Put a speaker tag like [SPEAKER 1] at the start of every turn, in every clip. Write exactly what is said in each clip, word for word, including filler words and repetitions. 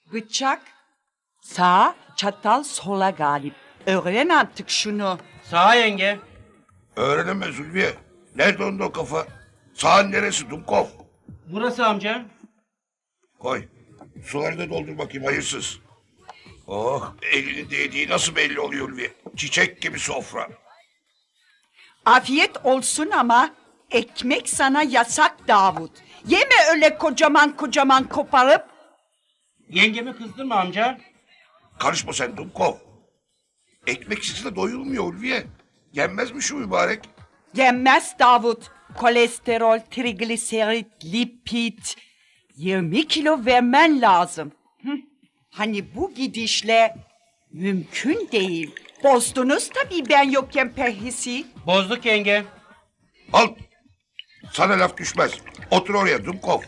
[SPEAKER 1] Bıçak sağ, çatal sola galip. Öğren artık şunu.
[SPEAKER 2] Sağ yenge.
[SPEAKER 3] Öğrenemez Ulviye. Nerede onda o kafa? Sağın neresi Dumkov?
[SPEAKER 2] Burası amca.
[SPEAKER 3] Koy. Suları da doldur bakayım hayırsız. Oh, elinin değdiği nasıl belli oluyor Ulviye? Çiçek gibi sofra.
[SPEAKER 1] Afiyet olsun ama ekmek sana yasak Davut. Yeme öyle kocaman kocaman koparıp.
[SPEAKER 2] Yengemi kızdırma amca.
[SPEAKER 3] Karışma sen Dumkov. Ekmeksiz de doyulmuyor Ulviye. Yenmez mi şu mübarek?
[SPEAKER 1] Yenmez Davut. Kolesterol, trigliserit, lipid. yirmi kilo vermen lazım. Hı? Hani bu gidişle mümkün değil. Bozdunuz tabii ben yokken perhisi.
[SPEAKER 2] Bozduk yenge.
[SPEAKER 3] Al. Sana laf düşmez. Otur oraya Dumkov.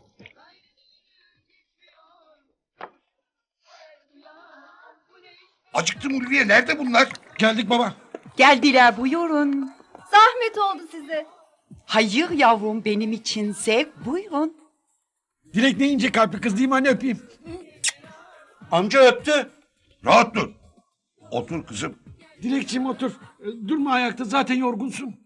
[SPEAKER 3] Acıktım Ulviye. Nerede bunlar?
[SPEAKER 4] Geldik baba.
[SPEAKER 1] Geldiler buyurun.
[SPEAKER 5] Zahmet oldu size.
[SPEAKER 1] Hayır yavrum benim için zevk buyurun.
[SPEAKER 4] Dilek ne ince kalpli kız değil mi anne, öpeyim.
[SPEAKER 2] Amca öptü.
[SPEAKER 3] Rahat dur. Otur kızım.
[SPEAKER 4] Dilekçim otur. E, Durma ayakta, zaten yorgunsun.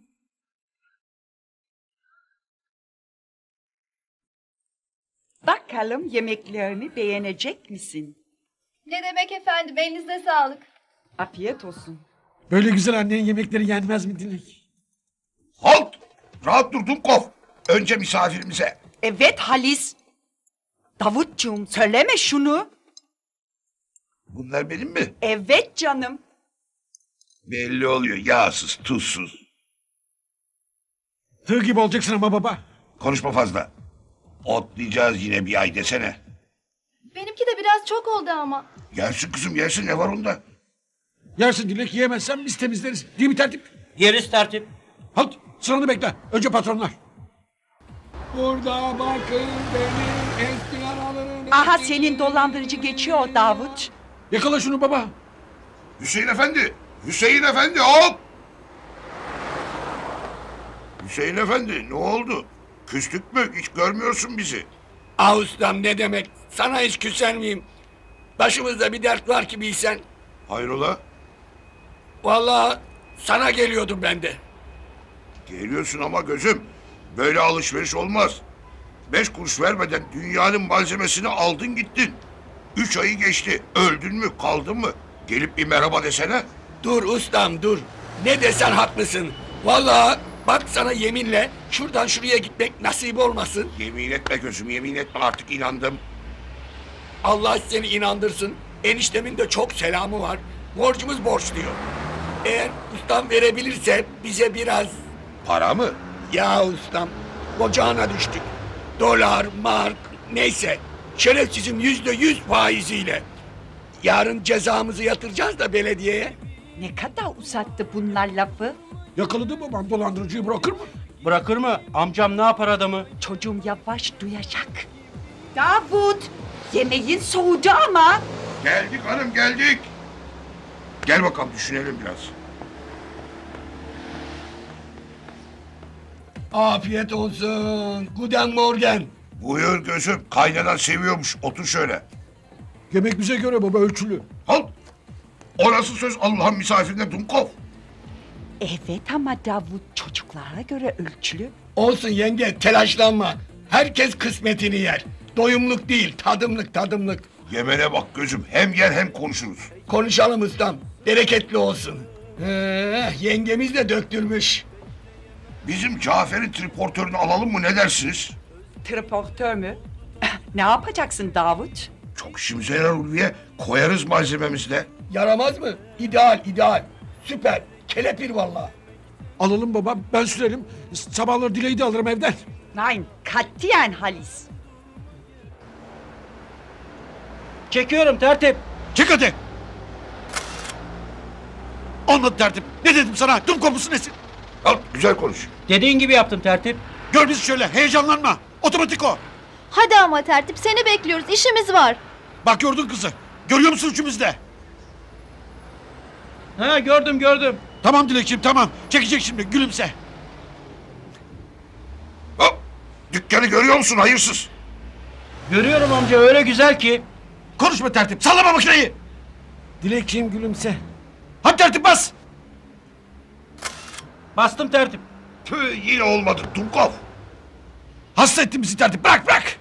[SPEAKER 1] Bakalım yemeklerimi beğenecek misin?
[SPEAKER 5] Ne demek efendim, elinize sağlık.
[SPEAKER 1] Afiyet olsun.
[SPEAKER 4] Böyle güzel annenin yemekleri yenmez mi Dilek?
[SPEAKER 3] Halt. Rahat dur Dumkov. Önce misafirimize.
[SPEAKER 1] Evet Halis. Davutcuğum söyleme şunu.
[SPEAKER 3] Bunlar benim mi?
[SPEAKER 1] Evet canım.
[SPEAKER 3] Belli oluyor. Yağsız, tuzsuz.
[SPEAKER 4] Tığ gibi olacaksın ama baba.
[SPEAKER 3] Konuşma fazla. Otlayacağız yine bir ay desene.
[SPEAKER 5] Benimki de biraz çok oldu ama.
[SPEAKER 3] Yersin kızım yersin, ne var onda?
[SPEAKER 4] Yersin Dilek, yiyemezsen biz temizleriz. Değil mi tertip?
[SPEAKER 2] Yeriz tertip.
[SPEAKER 4] Halt, sıranı bekle. Önce patronlar. Burada bakın benim eski aralarım.
[SPEAKER 1] Aha senin dolandırıcı geçiyor Davut.
[SPEAKER 4] Yakala şunu baba.
[SPEAKER 3] Hüseyin Efendi! Hüseyin Efendi hop! Hüseyin Efendi ne oldu? Küstük mü? Hiç görmüyorsun bizi.
[SPEAKER 6] Ah ustam, ne demek? Sana hiç küser miyim? Başımızda bir dert var ki bilsen.
[SPEAKER 3] Hayrola?
[SPEAKER 6] Vallahi sana geliyordum ben de.
[SPEAKER 3] Geliyorsun ama gözüm. Böyle alışveriş olmaz. Beş kuruş vermeden dünyanın malzemesini aldın gittin. Üç ayı geçti. Öldün mü kaldın mı? Gelip bir merhaba desene.
[SPEAKER 6] Dur ustam dur. Ne desen haklısın. Vallahi bak sana yeminle şuradan şuraya gitmek nasip olmasın.
[SPEAKER 3] Yemin etme gözüm, yemin etme, artık inandım.
[SPEAKER 6] Allah seni inandırsın. Eniştemin de çok selamı var. Borcumuz borç diyor. Eğer ustam verebilirse bize biraz...
[SPEAKER 3] Para mı?
[SPEAKER 6] Ya ustam, ocağına düştük. Dolar, mark, neyse. Şerefsizim yüzde yüz faiziyle. Yarın cezamızı yatıracağız da belediyeye.
[SPEAKER 1] Ne kadar uzattı bunlar lafı.
[SPEAKER 4] Yakaladı babam dolandırıcıyı, bırakır mı?
[SPEAKER 2] Bırakır mı? Amcam ne yapar adamı?
[SPEAKER 1] Çocuğum yavaş duyacak. Davut yemeğin soğudu ama.
[SPEAKER 3] Geldik hanım geldik. Gel bakalım düşünelim biraz.
[SPEAKER 6] Afiyet olsun. Guten Morgen.
[SPEAKER 3] Buyur gözüm, kaynanan seviyormuş, otur şöyle.
[SPEAKER 4] Yemek bize göre baba, ölçülü.
[SPEAKER 3] Halt! O nasıl söz Allah'ın misafirine Dumkov?
[SPEAKER 1] Evet ama Davut çocuklara göre ölçülü.
[SPEAKER 6] Olsun yenge, telaşlanma. Herkes kısmetini yer. Doyumluk değil, tadımlık tadımlık.
[SPEAKER 3] Yemene bak gözüm, hem yer hem konuşuruz.
[SPEAKER 6] Konuşalım ustam. Bereketli olsun. Ee, yengemiz de döktürmüş.
[SPEAKER 3] Bizim Cafer'in triportörünü alalım mı, ne dersiniz?
[SPEAKER 1] Triportör mü? Ne yapacaksın Davut?
[SPEAKER 3] Çok işimize yarar Ulviye, koyarız malzememizle.
[SPEAKER 6] Yaramaz mı? İdeal, ideal. Süper. Kelepir vallahi.
[SPEAKER 4] Alalım baba, ben sürerim. Sabahları Dilek'i de alırım evden.
[SPEAKER 1] Nein, katiyen Halis.
[SPEAKER 2] Çekiyorum tertip.
[SPEAKER 4] Çık hadi. Olmadı tertip. Ne dedim sana? Dum kopusu nesin?
[SPEAKER 3] Al, güzel konuş.
[SPEAKER 2] Dediğin gibi yaptım tertip.
[SPEAKER 4] Gör bizi şöyle, heyecanlanma. Otomatik o.
[SPEAKER 5] Hadi ama tertip, seni bekliyoruz, işimiz var.
[SPEAKER 4] Bak gördün kızı. Görüyor musun üçümüz de?
[SPEAKER 2] Ha gördüm gördüm.
[SPEAKER 4] Tamam Dilekçiğim, tamam. Çekecek şimdi, gülümse.
[SPEAKER 3] Hop! Dükkanı görüyor musun hayırsız?
[SPEAKER 2] Görüyorum amca, öyle güzel ki.
[SPEAKER 4] Konuşma tertip. Sallama makineyi. Dilekçiğim gülümse. Hadi tertip bas.
[SPEAKER 2] Bastım tertip.
[SPEAKER 3] Tüh, yine olmadı Dumkov.
[SPEAKER 4] Hasta ettin bizi tertip. Bırak bırak.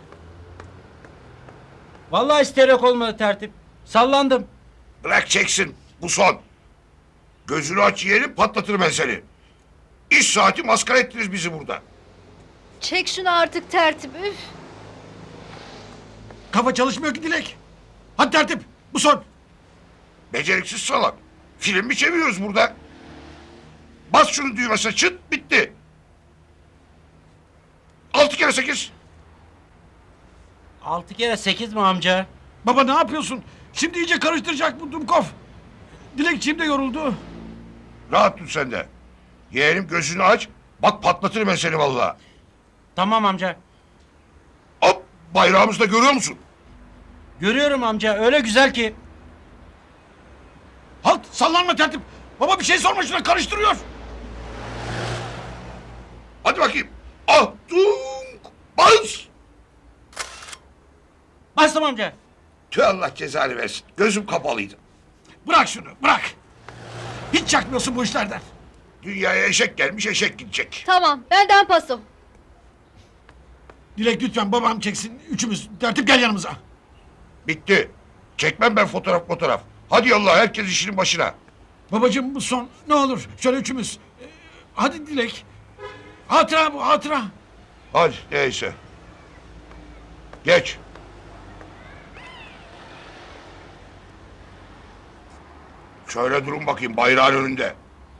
[SPEAKER 2] Vallahi isterek olmadı tertip. Sallandım.
[SPEAKER 3] Bırak çeksin. Bu son. Gözünü aç yeğenim, patlatırım ben seni. İş saati maskara ettiniz bizi burada.
[SPEAKER 5] Çek şunu artık tertip. Üf.
[SPEAKER 4] Kafa çalışmıyor ki Dilek. Hadi tertip. Bu son.
[SPEAKER 3] Beceriksiz salak. Film mi çeviriyoruz burada? Bas şunu düğmesine, çıt, bitti. Altı kere sekiz.
[SPEAKER 2] Altı kere sekiz mi amca?
[SPEAKER 4] Baba ne yapıyorsun? Şimdi iyice karıştıracak bu Dumkov. Dilekçiğim de yoruldu.
[SPEAKER 3] Rahat dur sen de. Yeğenim gözünü aç. Bak patlatırım ben seni vallahi.
[SPEAKER 2] Tamam amca.
[SPEAKER 3] Hop, bayrağımızı da görüyor musun?
[SPEAKER 2] Görüyorum amca, öyle güzel ki.
[SPEAKER 4] Halt, sallanma tertip. Baba bir şey sorma, şuna karıştırıyor.
[SPEAKER 3] Hadi bakayım. Ah, dunk, bas.
[SPEAKER 2] Bastım amca.
[SPEAKER 3] Tüh, Allah cezanı versin. Gözüm kapalıydı.
[SPEAKER 4] Bırak şunu, bırak. Hiç çakmıyorsun bu işlerden.
[SPEAKER 3] Dünyaya eşek gelmiş, eşek gidecek.
[SPEAKER 5] Tamam benden paso.
[SPEAKER 4] Dilek lütfen babam çeksin. Üçümüz. Tertip gel yanımıza.
[SPEAKER 3] Bitti. Çekmem ben fotoğraf fotoğraf. Hadi yallah, herkes işinin başına.
[SPEAKER 4] Babacığım bu son. Ne olur şöyle üçümüz. Ee, hadi Dilek. Hatıra bu, hatıra.
[SPEAKER 3] Hadi neyse. Geç. Şöyle durun bakayım bayrağın önünde.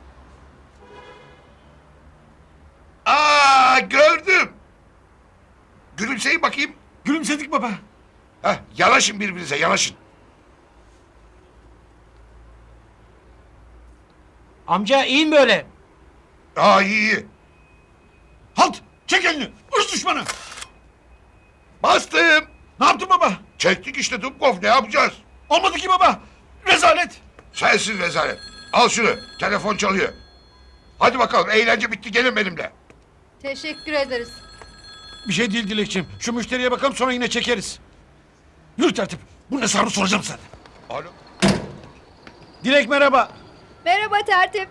[SPEAKER 3] Aa, gördüm. Gülümseyin bakayım.
[SPEAKER 4] Gülümsedik baba.
[SPEAKER 3] Heh, yanaşın birbirinize, yanaşın.
[SPEAKER 2] Amca iyi mi böyle?
[SPEAKER 3] Aa, iyi iyi.
[SPEAKER 4] Halt, çek elini. Irz düşmanı.
[SPEAKER 3] Bastım.
[SPEAKER 4] Ne yaptın baba?
[SPEAKER 3] Çektik işte Dubkov, ne yapacağız?
[SPEAKER 4] Olmadı ki baba. Rezalet.
[SPEAKER 3] Sensiz rezalet. Al şunu, telefon çalıyor. Hadi bakalım, eğlence bitti, gelin benimle.
[SPEAKER 5] Teşekkür ederiz.
[SPEAKER 4] Bir şey değil Dilekçiğim. Şu müşteriye bakalım sonra yine çekeriz. Yürü tertip. Bunun hesabını soracağım sana.
[SPEAKER 3] Alo.
[SPEAKER 4] Dilek merhaba.
[SPEAKER 5] Merhaba tertip.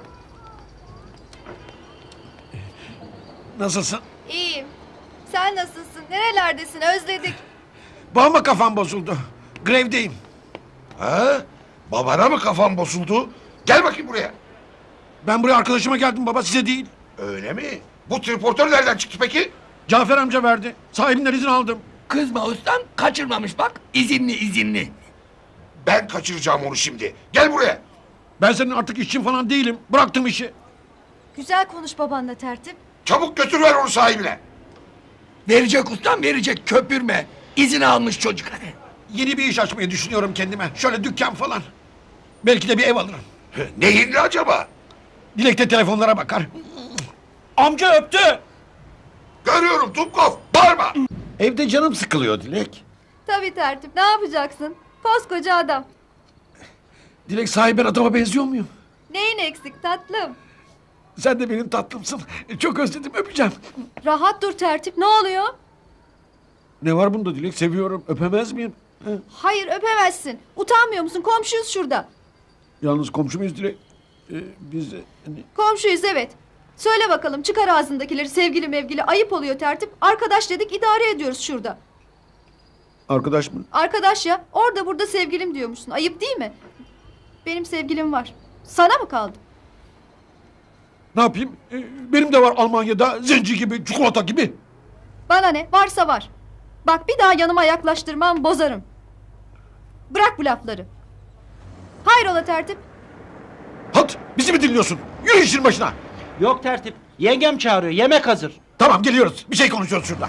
[SPEAKER 4] Nasılsın?
[SPEAKER 5] İyiyim. Sen nasılsın? Nerelerdesin? Özledik.
[SPEAKER 4] Babama kafam bozuldu. Grevdeyim.
[SPEAKER 3] Ha? Babana mı kafan bozuldu? Gel bakayım buraya.
[SPEAKER 4] Ben buraya arkadaşıma geldim baba, size değil.
[SPEAKER 3] Öyle mi? Bu triportör nereden çıktı peki?
[SPEAKER 4] Cafer amca verdi. Sahibinden izin aldım.
[SPEAKER 6] Kızma ustam, kaçırmamış bak. İzinli izinli.
[SPEAKER 3] Ben kaçıracağım onu şimdi. Gel buraya.
[SPEAKER 4] Ben senin artık işçin falan değilim. Bıraktım işi.
[SPEAKER 5] Güzel konuş babanla tertip.
[SPEAKER 3] Çabuk götür ver onu sahibine.
[SPEAKER 6] Verecek ustam, verecek, köpürme. İzin almış çocuk hadi.
[SPEAKER 4] Yeni bir iş açmayı düşünüyorum kendime. Şöyle dükkan falan. Belki de bir ev alırım.
[SPEAKER 3] Neyinli acaba?
[SPEAKER 4] Dilek de telefonlara bakar.
[SPEAKER 2] Amca öptü.
[SPEAKER 3] Görüyorum Dubkov. Bağırma.
[SPEAKER 4] Evde canım sıkılıyor Dilek.
[SPEAKER 5] Tabii tertip. Ne yapacaksın? Koskoca adam.
[SPEAKER 4] Dilek sahiben adama benziyor muyum?
[SPEAKER 5] Neyin eksik tatlım?
[SPEAKER 4] Sen de benim tatlımsın. Çok özledim, öpeceğim.
[SPEAKER 5] Rahat dur tertip. Ne oluyor?
[SPEAKER 4] Ne var bunda Dilek? Seviyorum. Öpemez miyim? He?
[SPEAKER 5] Hayır öpemezsin. Utanmıyor musun? Komşuyuz şurada.
[SPEAKER 4] Yalnız komşu muyuz Dilek? Ee, biz... Hani...
[SPEAKER 5] Komşuyuz evet. Söyle bakalım çıkar ağzındakileri sevgili mevgili ayıp oluyor tertip. Arkadaş dedik idare ediyoruz şurada.
[SPEAKER 4] Arkadaş mı?
[SPEAKER 5] Arkadaş ya orada burada sevgilim diyormuşsun. Ayıp değil mi? Benim sevgilim var. Sana mı kaldı?
[SPEAKER 4] Ne yapayım? Ee, benim de var Almanya'da zenci gibi, çikolata gibi.
[SPEAKER 5] Bana ne? Varsa var. Bak bir daha yanıma yaklaştırmam bozarım. Bırak bu lafları. Hayrola tertip?
[SPEAKER 4] Halt! Bizi mi dinliyorsun? Yürü işin başına.
[SPEAKER 2] Yok tertip. Yengem çağırıyor, yemek hazır.
[SPEAKER 4] Tamam geliyoruz. Bir şey konuşuyoruz şurada.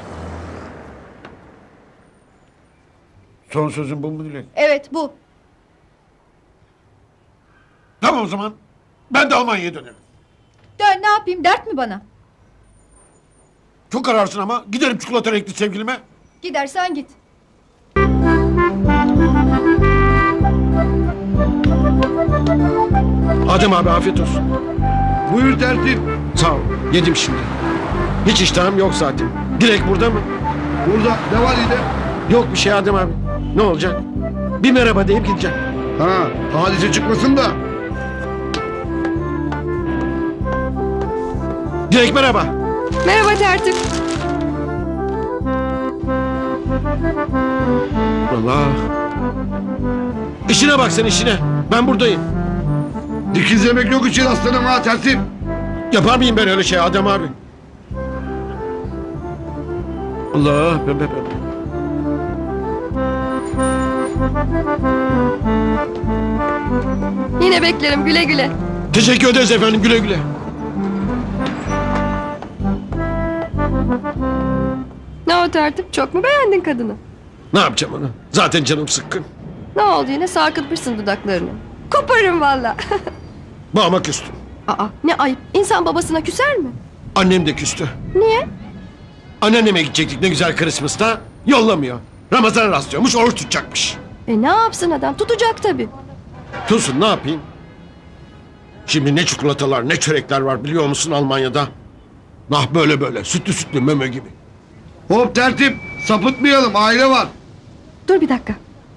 [SPEAKER 4] Son sözün bu mu Dilek?
[SPEAKER 5] Evet bu.
[SPEAKER 4] Tamam o zaman. Ben de Almanya'ya dönerim.
[SPEAKER 5] Dön ne yapayım dert mi bana?
[SPEAKER 4] Çok ararsın ama giderim çikolata renkli sevgilime.
[SPEAKER 5] Gidersen git.
[SPEAKER 4] Adem abi afiyet olsun.
[SPEAKER 7] Buyur tertip.
[SPEAKER 4] Sağ ol. Yedim şimdi. Hiç iştahım yok zaten. Dilek burada mı?
[SPEAKER 7] Burada ne var yine?
[SPEAKER 4] Yok bir şey Adem abi. Ne olacak? Bir merhaba deyip gideceğim.
[SPEAKER 7] Ha, hadise çıkmasın da.
[SPEAKER 4] Dilek merhaba.
[SPEAKER 5] Merhaba tertip.
[SPEAKER 4] Allah. İşine bak sen işine. Ben buradayım.
[SPEAKER 7] Dikizlemek yok için aslanım ha tertip.
[SPEAKER 4] Yapar mıyım ben öyle şey Adem abi? Allah. Be, be, be.
[SPEAKER 5] Yine beklerim güle güle.
[SPEAKER 4] Teşekkür ederiz efendim, güle güle.
[SPEAKER 5] Ne o tertip, çok mu beğendin kadını?
[SPEAKER 4] Ne yapacağım onu? Zaten canım sıkkın.
[SPEAKER 5] Ne oldu yine, sarkıtmışsın dudaklarını. Koparırım valla.
[SPEAKER 4] Babama küstüm.
[SPEAKER 5] Aa, ne ayıp, insan babasına küser mi?
[SPEAKER 4] Annem de küstü.
[SPEAKER 5] Niye?
[SPEAKER 4] Anneanneme gidecektik ne güzel Christmas'ta. Yollamıyor. Ramazan rastlıyormuş, oruç tutacakmış.
[SPEAKER 5] E ne yapsın adam, tutacak tabii.
[SPEAKER 4] Tutsun, ne yapayım? Şimdi ne çikolatalar ne çörekler var biliyor musun Almanya'da? Nah böyle böyle sütlü sütlü meme gibi.
[SPEAKER 7] Hop tertip. Sapıtmayalım, aile var.
[SPEAKER 5] Dur bir dakika.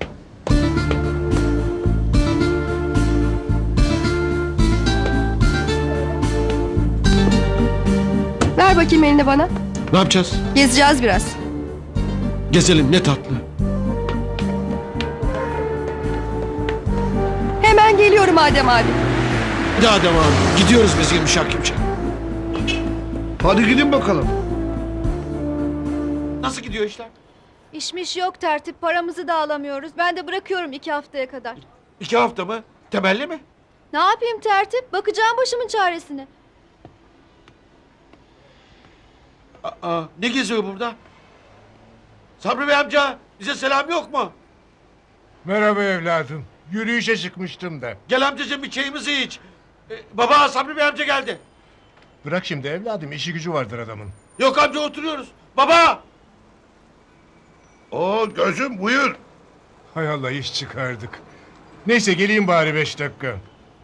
[SPEAKER 5] Ver bakayım elini bana.
[SPEAKER 4] Ne yapacağız?
[SPEAKER 5] Gezeceğiz biraz.
[SPEAKER 4] Gezelim, ne tatlı.
[SPEAKER 5] Hemen geliyorum Adem abi.
[SPEAKER 4] Hadi Adem abi gidiyoruz biz yumuşak yumuşak.
[SPEAKER 7] Hadi gidin bakalım.
[SPEAKER 4] Nasıl gidiyor işler?
[SPEAKER 5] İşmiş yok tertip, paramızı da alamıyoruz. Ben de bırakıyorum iki haftaya kadar.
[SPEAKER 4] İki hafta mı? Temelli mi?
[SPEAKER 5] Ne yapayım tertip? Bakacağım başımın çaresine.
[SPEAKER 4] Aa, ne geziyor burada? Sabri Bey amca bize selam yok mu?
[SPEAKER 8] Merhaba evladım. Yürüyüşe çıkmıştım da.
[SPEAKER 4] Gel amcacığım bir çayımızı iç. Ee, baba Sabri Bey amca geldi.
[SPEAKER 8] Bırak şimdi evladım, işi gücü vardır adamın.
[SPEAKER 4] Yok amca oturuyoruz. Baba!
[SPEAKER 3] Oo gözüm buyur.
[SPEAKER 8] Hay Allah, iş çıkardık. Neyse geleyim bari beş dakika.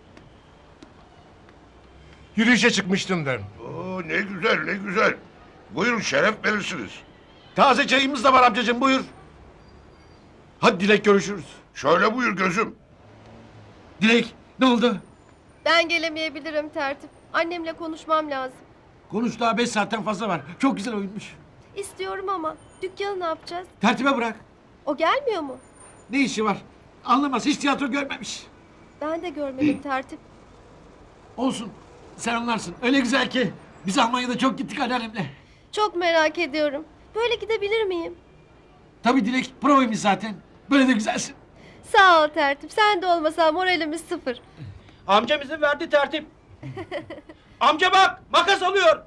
[SPEAKER 8] Yürüyüşe çıkmıştım da.
[SPEAKER 3] Oo ne güzel ne güzel. Buyurun şeref verirsiniz.
[SPEAKER 4] Taze çayımız da var amcacığım buyur. Hadi Dilek görüşürüz.
[SPEAKER 3] Şöyle buyur gözüm.
[SPEAKER 4] Dilek ne oldu?
[SPEAKER 5] Ben gelemeyebilirim tertip. Annemle konuşmam lazım.
[SPEAKER 4] Konuş daha beş saatten fazla var. Çok güzel oyunmuş.
[SPEAKER 5] İstiyorum ama dükkanı ne yapacağız?
[SPEAKER 4] Tertibe bırak.
[SPEAKER 5] O gelmiyor mu?
[SPEAKER 4] Ne işi var? Anlamaz hiç tiyatro görmemiş.
[SPEAKER 5] Ben de görmedim tertip.
[SPEAKER 4] Olsun sen anlarsın. Öyle güzel ki. Biz Almanya'da çok gittik anneannemle.
[SPEAKER 5] Çok merak ediyorum. Böyle gidebilir miyim?
[SPEAKER 4] Tabii Dilek provaymış zaten. Böyle de güzelsin.
[SPEAKER 5] Sağ ol tertip. Sen de olmasan moralimiz sıfır.
[SPEAKER 2] Amcam izin verdi tertip. Amca bak makas alıyor.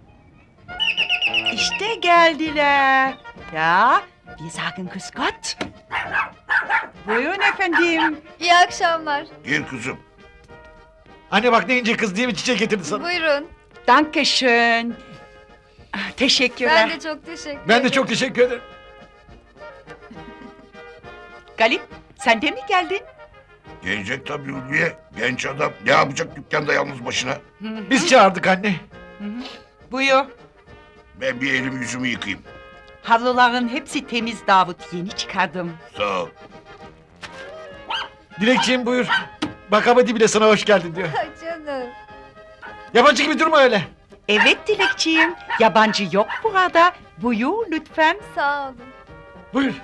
[SPEAKER 1] İşte geldiler. Ya, wir sagen Grüß Gott. Buyurun efendim.
[SPEAKER 5] İyi akşamlar.
[SPEAKER 3] Gir kızım.
[SPEAKER 4] Anne bak ne ince kız diye bir çiçek getirdi sana.
[SPEAKER 5] Buyurun.
[SPEAKER 1] Dankeschön. Ah, teşekkürler.
[SPEAKER 5] Ben de çok teşekkür
[SPEAKER 4] Ben de çok teşekkür ederim.
[SPEAKER 1] Galip, sen de mi geldin?
[SPEAKER 3] Gelecek tabii Ulviye. Genç adam ne yapacak dükkanda yalnız başına?
[SPEAKER 4] Biz çağırdık anne.
[SPEAKER 1] Buyur.
[SPEAKER 3] Ben bir elimi yüzümü yıkayayım.
[SPEAKER 1] Havluların hepsi temiz Davut. Yeni çıkardım.
[SPEAKER 3] Sağ ol.
[SPEAKER 4] Dilekciğim buyur. Bak Abadi bile sana hoş geldin diyor.
[SPEAKER 5] Canım.
[SPEAKER 4] Yabancı gibi durma öyle.
[SPEAKER 1] Evet Dilekçiğim. Yabancı yok burada. Buyur lütfen.
[SPEAKER 5] Sağ olun.
[SPEAKER 4] Buyur.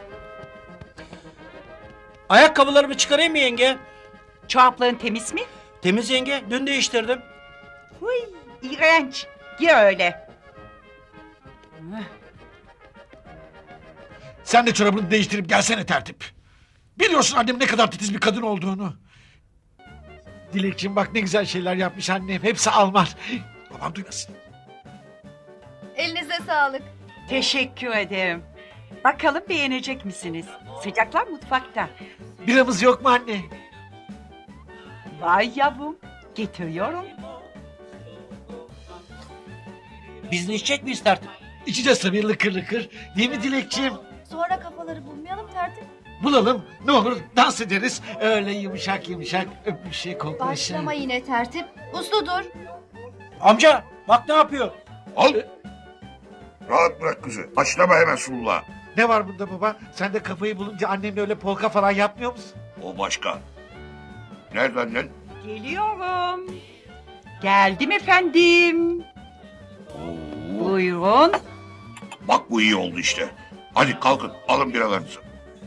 [SPEAKER 2] Ayakkabılarımı çıkarayım mı yenge?
[SPEAKER 1] Çorapların temiz mi?
[SPEAKER 2] Temiz yenge, dün değiştirdim.
[SPEAKER 1] Huy, iğrenç. Gir öyle.
[SPEAKER 4] Sen de çorabını değiştirip gelsene tertip. Biliyorsun annem ne kadar titiz bir kadın olduğunu. Dilekciğim bak ne güzel şeyler yapmış annem. Hepsi Alman. Babam duymasın.
[SPEAKER 5] Elinize sağlık.
[SPEAKER 1] Teşekkür ederim. Bakalım beğenecek misiniz? Sıcaklar mutfakta.
[SPEAKER 4] Biramız yok mu anne?
[SPEAKER 1] Vay yavrum. Getiriyorum.
[SPEAKER 2] Biz de içecek miyiz tertip?
[SPEAKER 4] İçeceğiz tabii lıkır lıkır. Değil mi Dilekciğim?
[SPEAKER 5] Sonra kafaları bulmayalım tertip.
[SPEAKER 4] Bulalım. Ne olur dans ederiz. Öyle yumuşak yumuşak öpüşe koklaşa.
[SPEAKER 5] Başlama yine tertip. Uslu dur.
[SPEAKER 2] Amca bak ne yapıyor?
[SPEAKER 3] Al. Rahat bırak kızı. Başlama hemen suluğa.
[SPEAKER 4] Ne var bunda baba? Sen de kafayı bulunca annemle öyle polka falan yapmıyor musun?
[SPEAKER 3] O başka. Nereden lan?
[SPEAKER 1] Geliyorum. Geldim efendim. Buyurun.
[SPEAKER 3] Bak bu iyi oldu işte. Hadi kalkın alın biralarınızı.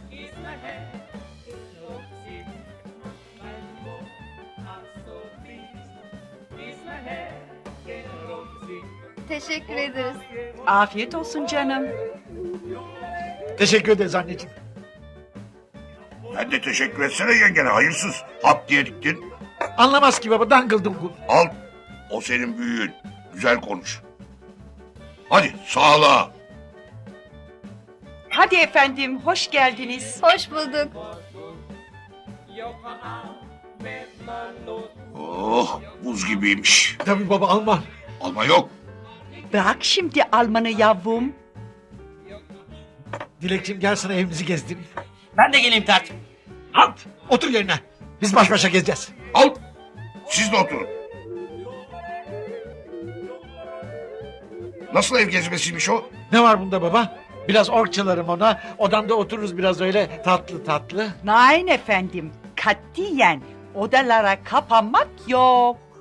[SPEAKER 5] Teşekkür ederiz.
[SPEAKER 1] Afiyet olsun canım.
[SPEAKER 4] Teşekkür ederiz anneciğim.
[SPEAKER 3] Ben de teşekkür etsene yengene hayırsız. Hap diye diktin.
[SPEAKER 4] Anlamaz ki baba, dangıl dungul.
[SPEAKER 3] Al. O senin büyüğün. Güzel konuş. Hadi sağlığa.
[SPEAKER 1] Hadi efendim, hoş geldiniz.
[SPEAKER 5] Hoş bulduk.
[SPEAKER 3] Oh buz gibiymiş.
[SPEAKER 4] Tabii baba, Alman.
[SPEAKER 3] Alma yok.
[SPEAKER 1] Bırak şimdi Alman'ı yavrum.
[SPEAKER 4] Dilekçim, gel sana evimizi gezdireyim.
[SPEAKER 2] Ben de geleyim tertip.
[SPEAKER 4] Halt! Otur yerine. Biz baş başa gezeceğiz.
[SPEAKER 3] Al. Siz de oturun. Nasıl ev gezmesiymiş o?
[SPEAKER 4] Ne var bunda baba? Biraz ork çalarım ona. Odamda otururuz biraz öyle tatlı tatlı.
[SPEAKER 1] Nein efendim, katiyen odalara kapanmak yok.